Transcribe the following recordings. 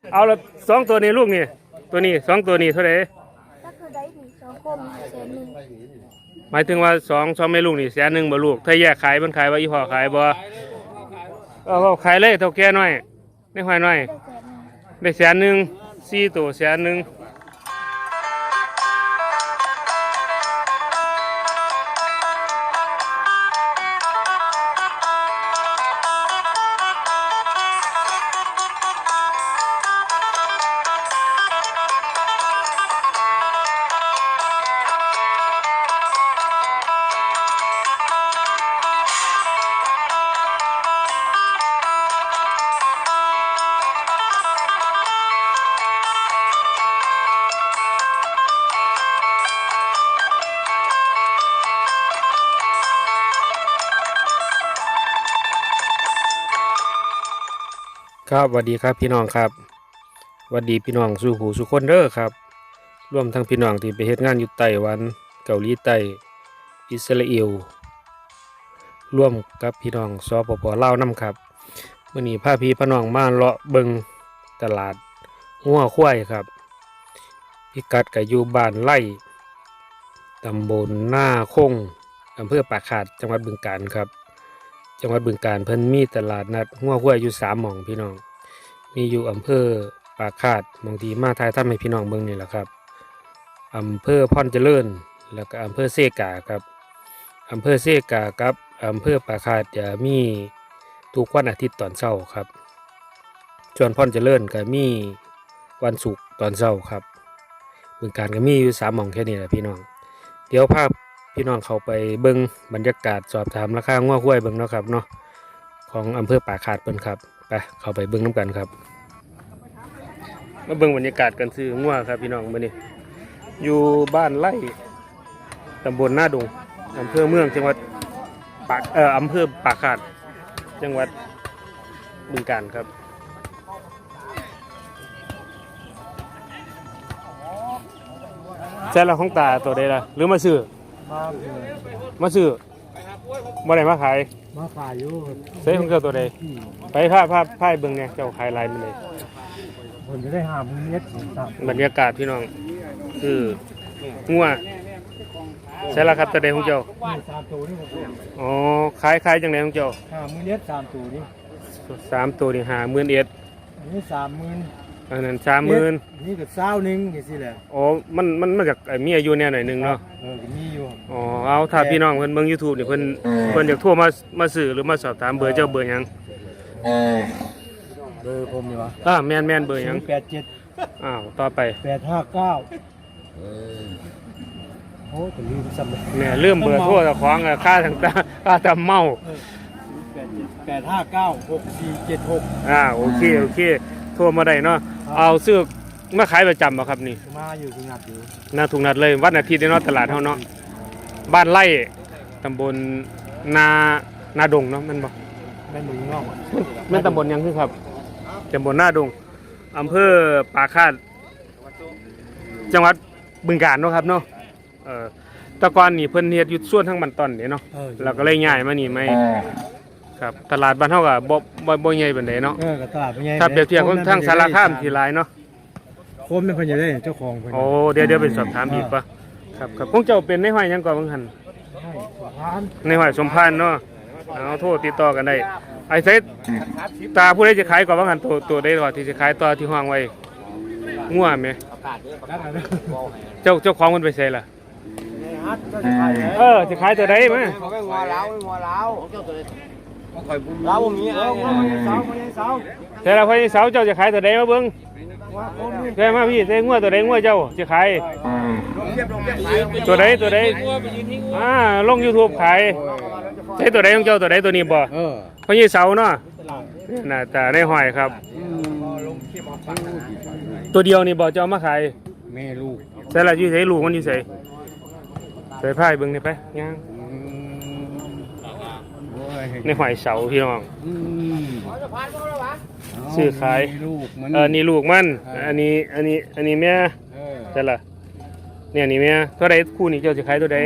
เอาละสองตัวนี้ลูกนี่ตัวนี้สองตัวนี้เท่าไหร่ก็คือได้ถึง2 คม100,000 หมายถึงว่าสองแม่ลูกนี่100,000บ่ลูกถ้าแยกขายมันขายว่าอีพ่อขายบ่เอาขายเลยเท่าแก่น้อยในหอยน้อยได้100,0004ตัว100,000ครับสวัสดีครับพี่น้องครับสวัสดีพี่น้องสู่หูสู่คนเด้อครับรวมทั้งพี่น้องที่ไปเฮ็ดงานอยู่ไต้หวันเกาหลีใต้อิสราเอลร่วมกับพี่น้องสปป.ลาวนำครับมื้อนี้พาพี่พี่น้องมาเลาะเบิงตลาดงัวควายครับพิกัดก็อยู่บ้านไร่ตำบลหน้าคงอำเภอปากขาดจังหวัดบึงกาฬครับจังหวัดบึงกาฬเพิ่นมีตลาดนัดงัวควายอยู่3 หม่องพี่น้องมีอยู่อำเภอปากขาดบางทีมาทายทำให้พี่น้องเบิ่งนี่แหละครับอำเภอพรเจริญแล้วก็อำเภอเซกาครับอำเภอเซกากับอำเภอปากขาดจะมีทุกวันอาทิตย์ตอนเช้าครับส่วนพรเจริญก็มีวันศุกร์ตอนเช้าครับบึงกาฬก็มีอยู่3 หม่องแค่นี้แหละพี่น้องเดี๋ยวภาพพี่น้องเข้าไปเบิ่งบรรยากาศสอบถามราคางัวควายเบิ่งเนาะครับเนาะของอำเภอปากขาดเพิ่นครับไปเข้าไปเบิ่งน้ำกันครับมาเบิ่งบรรยากาศกันซื้องัวครับพี่น้องมื้อนี้อยู่บ้านไร่ตำบลหน้าดงอำเภอเมืองจังหวัดอำเภอปากขาดจังหวัดบึงกาฬครับใช่ละของตาตัวใดล่ะหรือมาซื้อมาซื้อบ่ได้มาขายมาขายอยู่ใส่ของเจ้าตัวใดไปผ้าเบิ่งเนี่ยเจ้าขายลายมันเลยผมจะได้5 มื้อเม็ดบรรยากาศพี่น้องคืองัวใช่ละครับตัวใดของเจ้า 3 ตัวนี่อ๋อขายจังไดของเจ้า 5 มื้อเม็ด3 ตัวนี่ 3 ตัวนี่50,000 อันนี้30,000 อันนั้น30,000 นี่ก็20,000จังซี่แหละอ๋อมันมาจากมีอายุแน่หน่อยนึงเนาะมีอยู่อ๋อเอาถ้าพี่น้องเพิ่นเบิ่ง YouTube นี่เพิ่นอยากโทรมาซื้อหรือมาสอบถามเบอร์เจ้าเบอร์หยังเบอร์ผมนี่วะแม่นเบอร์หยัง 87 ต่อไป 859โอ้จะลืมซ้ำเลยแม่ลืมเบอร์โทรเจ้าของค่าต่างๆค่าตำเมา 8596476 โอเคโทรมาได้เนาะเอาซื้อมาขายประจำบ่ครับนี่มาอยู่ทุกนัดอยู่หน้าทุกนัดเลยวันอาทิตย์เนาะตลาดเฮาเนาะบ้านไร่ตำบลนาดงเนาะมันบ่แม่นงอกแม่นตำบลหยังคือครับตำบลนาดงอำเภอปากคาดจังหวัดบึงกาฬเนาะครับเนาะตะกอนนี่เพิ่นเฮ็ดอยู่ส่วนทั้งบันตอนนี่เนาะแล้วก็เลยย้ายมานี่ไม่ครับตลาดบ้านเฮาก็บ่ใหญ่ปานใดเนาะก็ตลาดบ่ใหญ่ถ้าเปรียบเทียบกับทางสารคามที่หลายเนาะโคมเป็นเพิ่นจะได้เจ้าของเพิ่นโอ้เดี๋ยวไปสอบถามอีกป่ะครับคงเจ้าเป็นในห้อยหยังก่อนบังหันในห้อยสมพานเนาะเอาโทรติดต่อกันได้ไอ้เซตตาผู้ใดจะขายก่อนบังหันตัวใดก่อนที่จะขายต่อที่ห้างไว้งัวแม่เจ้าของมันไปไสล่ะจะขายตัวใดมั้ยงัวลาวเราบ่มีแต่ละพ่อเสาเจ้าจะขายตัวใดมาเบิ่งแค่มาพี่เต้งัวตัวใดงัวเจ้าจะขายตัวใดลง YouTube ขายใช้ตัวใดของเจ้าตัวใดตัวนี้บ่พ่อเสาเนาะน่าแต่ในหอยครับตัวเดียวนี่บ่เจ้ามาขายแม่ลูกใส่ละอยู่ใส่ลูกมันอยู่ใส่พายเบิ่งนี่ไปย่างในหอยเสาพี่น้องซื้อขายนี่ลูกมันอันนี้แม่ใช่ละเนี่ยนี่แม่เท่าไรคู่นี้เจ้าจะขายตัวใด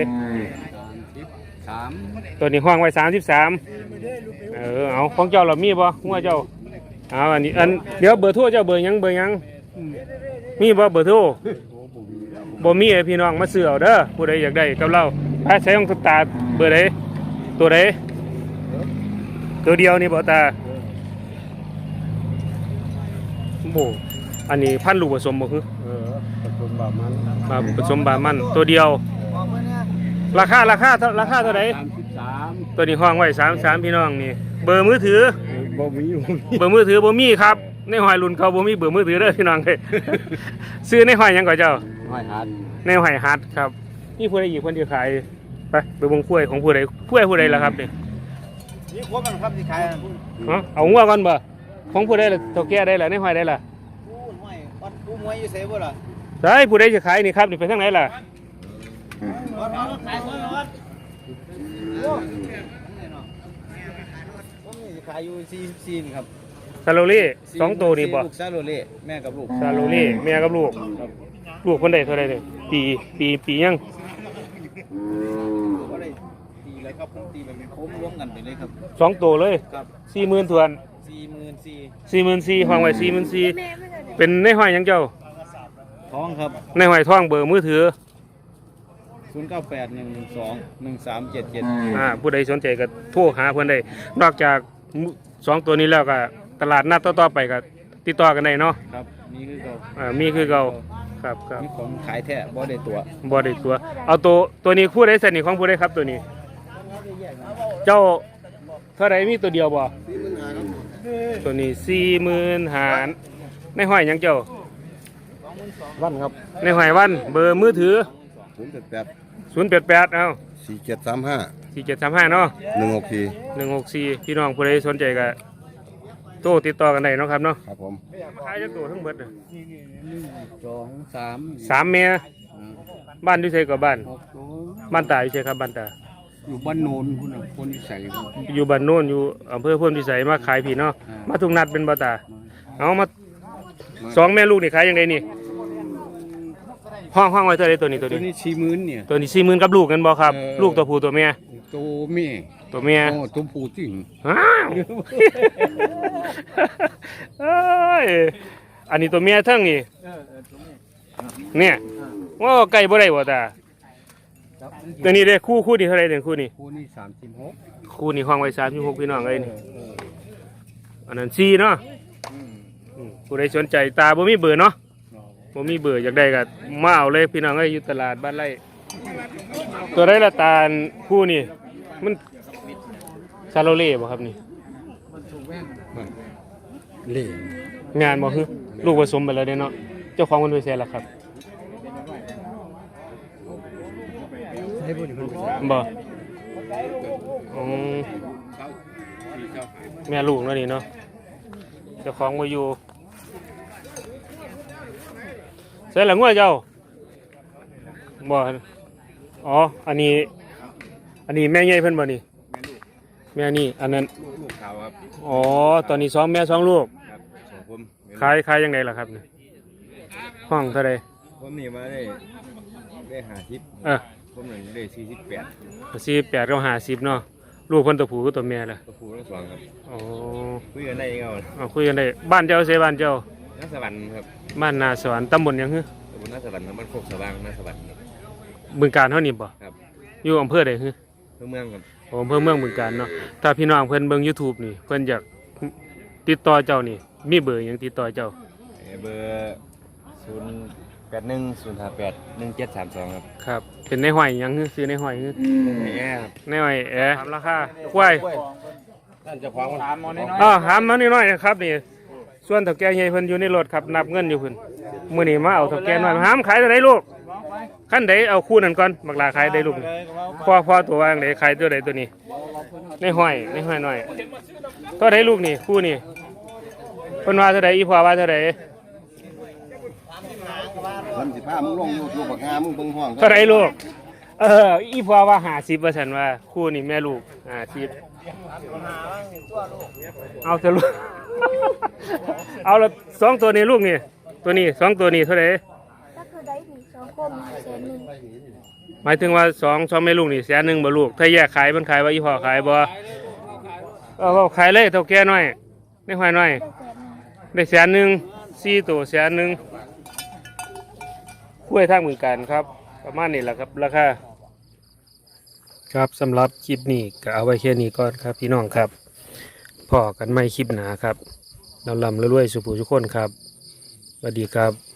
ตัวนี้ห้องไว้33เอาของเจ้าเรามีบ่หัวเจ้าเอาอันนี้เดี๋ยวเบอร์โทรเจ้าเบอร์หยังมีบ่เบอร์โทรบ่มีให้พี่น้องมาซื้อเอาเด้อผู้ใดอยากได้กับเราไปใช้ของตาเบอร์ใดตัวใดตัวเดียวนี่บ่ตาโอ้อันนี้พันธุ์ลูกผสมบ่คือผสมบามันผสมบามันตัวเดียว ราคาเท่าไหร่ 33 ตัวนี้ห้องไว้33พี่น้องนี่เบอร์มือถือบ่มีอยู่เบอร์มือถือบ่มีครับในหอยรุ่นเขาบ่มีเบอร์มือถือเด้อพี่น้องเด้ย ซื้อในหอยหยังก่อนเจ้าห้อยหัดในหอยฮัดครับนี่ผู้ใดอีกคนที่ขายไปเบิ่งกล้วยของผู้ใดผู้ใดล่ะครับนี่นี่ครบมันครับที่ขายเอางัวก่อนบ่ของผู้ใดล่ะเฒ่าแก่ได้ล่ะในหอยได้ล่ะผู้ห้อยวัดผู้มวยอยู่ไสบ่ล่ะใช่ผู้ใดจะขายนี่ครับนี่ไปทางไหนล่ะวัดขายคนวัดผมนี่ขายอยู่44ครับซาโลเล่สองตัวนี่บ่ลูกซาโลเล่แม่กับลูกซาโลเล่แม่กับลูกลูกคนใดเท่าใดนี่ปียังก็ได้ตีเลยครับผมตีแบบเป็นโค้งร่วมกันไปเลยครับสองตัวเลยครับ 40,000ทวน 44,000 44,000ห้องไว้แม่ไม่ได้ 44,000เป็นในหอยหยังเจ้าท้องครับในหอยทองเบอร์มือถือ 0981121377 ผู้ใดสนใจก็โทรหาเพื่อนได้ นอกจากสองตัวนี้แล้วก็ตลาดนัดต่อๆไปก็ติดต่อกันได้เนาะครับนี่คือเรามีคือเก่าครับครับนี่ของขายแท้บ่ได้ตัวบ่ได้ตัว เอาตัวนี้คู่ใดสนิทของผู้ใดครับตัวนี้ เจ้าเท่าไรมีตัวเดียวบ่ตัวนี้40,000ในห้อยหยังเจ้าวันครับในห้อยวันเบอร์มือถือ 088 088เอ้า 4735 4735เนาะ 164 164พี่น้องผู้ใดสนใจก็โทรติดต่อกันได้เนาะครับเนาะครับผมมาขายจักตัวทั้งเบิดน่ะ 2 3 3เมียบ้านอยู่ไสก็บ้าน 6ตัวบ้านตาอยู่ไสครับบ้านตาอยู่บ้านโนนคุณน่ะคนที่ใส่อยู่บ้านโน้นอยู่อำเภอพ่นพิสัยมาขายพี่เนาะมาทุกนัดเป็นบ่ตาเอามาสองแม่ลูกนี่ขายยังไงนี่ห้องไว้เท่าไรตัวนี้ตัวตัวนี้นี้40,000เนี่ยตัวนี้40,000กับลูกกันบ่ครับ ลูกตัวผู้ตัวเมียตัวแม่ตัวเมียโอ้ตัวผู้จริงอ้าวเอ้ยอันนี้ตัวเมียเทั้งนี่เนี่ยโอ้ไก่บ่ได้บ่ตาตัวนี้เด้คู่นี่เท่าไรเด้คู่นี้คู่นี้36 คู่นี่ห้องไว้36พี่น้องเอ้ยนี่อันนั้น4เนาะผู้ใดสนใจตาบ่มีเบอร์เนาะบ่มีเบอร์อยากได้ก็มาเอาเลยพี่น้องเอ้ยอยู่ตลาดบ้านไร่ตัวได้ละตาลคู่นี่มันซาโลเล่บ่ครับนี่เล่งานบ่คือลูกผสมไปแล้วเด้เนาะเจ้าของมันไปแซ่แล้วครับบ่อืมแม่ลูกเนาะนี่เนาะเจ้าของบ่อยู่ใส่ละงัวเจ้าบ่อ๋ออันนี้แม่ใหญ่เพิ่นบ่นี่แม่นี่อันนั้นลูกขาวครับอ๋อตอนนี้2แม่2ลูกครับของผมขายยังไงล่ะครับนี่ห้องเท่าใดผมนี่มาได้50 เออผมหนึ่งได้48 48กับ50เนาะลูกเพิ่นตัวผู้กับตัวแม่ล่ะตัวผู้ทั้งสองครับอ๋อคุยกันได้ยังไงเอาคุยกันได้บ้านเจ้าเสบ้านเจ้านาสวรรค์ครับบ้านนาสวรรค์ตำบลหยังฮึตำบลนาสวรรค์ครับบ้านโคกสว่างนาสวรรค์ครับบึงการเฮานี่บ่ครับอยู่อำเภอใดฮึเมืองครับอำเภอเมืองบึงการเนาะถ้าพี่น้องเพิ่นเบิ่ง YouTube นี่เพิ่นอยากติดต่อเจ้านี่มีเบอร์หยังติดต่อเจ้าเบอร์0810581732ครับครับเป็นในห้อยหยังฮึซื้อในห้อยฮึแย่ครับในห้อยถามราคาควายท่านเจ้าของถามมาหน่อยถามมานิดหน่อยนะครับนี่ส่วนเฒ่าแก่ใหญ่เพิ่นอยู่ในรถครับนับเงินอยู่เพิ่นมื้อนี้มาเอาเฒ่าแก่น้อยหามขายเท่าไหร่ลูกคันใดเอาคู่นั้นก่อนบักลาขายได้ลูกนี่พ่อตัวว่าจังไดขายตัวใดตัวนี้ในห้อยหน่อยเท่าใดลูกนี่คู่นี่เพิ่นว่าเท่าใดอีพ่อว่าเท่าใดมันสิพามึงลงอยู่บักงามึงเบิ่งห้องเท่าใดลูกอีพ่อว่า50ว่าซั่นว่าคู่นี่แม่ลูก50เอาเถอะลูก เอาละสองตัวนี้ลูกนี่ตัวนี้สองตัวนี้เท่าไหร่ถ้าคือได้ดีสองคมแสนหนึ่งหมายถึงว่าสองแม่ลูกนี่100,000บ่ลูกถ้าแยกขายมันขายว่าอีพ่อขายบ่เอาขายเลยเท่าแก่น้อยในห้อยน้อยได้แสนหนึ่งได้แสนหนึ่ง4ตัวแสนหนึ่งกล้วยทางเมืองการครับประมาณนี้แหละครับราคาครับสำหรับคลิปนี้ก็เอาไว้แค่นี้ก่อนครับพี่น้องครับพอกันไม่คลิปหนาครับลำรวยๆสุภูทุกคนครับสวัสดีครับ